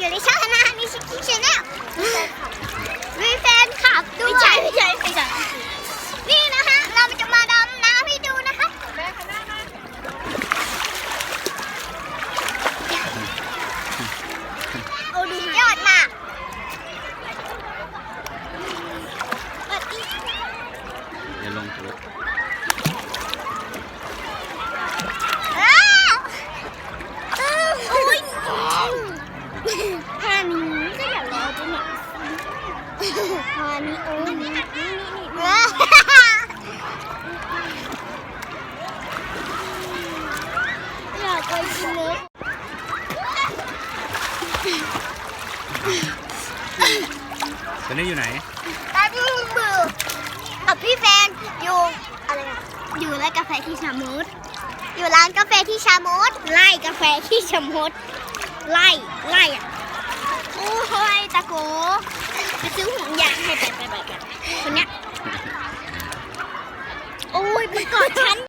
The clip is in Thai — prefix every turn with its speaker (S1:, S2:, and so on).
S1: อยู่ในช่องนะนิชิคิชแนลมีแฟนคลับด้วยไม่ใช่นี่นะคะเราจะมาดำน้ำให้ดูนะคะโอ้ดูยอดมาก
S2: อย่าลงตัว
S1: แค่นี้ก็อยากรอจะเนี่ยพานี้โอ้ยนี่อยากไปกินเนื้อ
S2: ตอนนี้อยู่ไหน
S1: ตาดูมือพี่แฟนอยู่อะไรอะอยู่ร้านกาแฟที่ชามุดอยู่ร้านกาแฟที่ชามุดไล่กาแฟที่ชามุดไล่อ่ะโอ้ยตะโกไปซื้อห่วงยางให้ไปคนเนี้ยโอ้ยมันกอดฉัน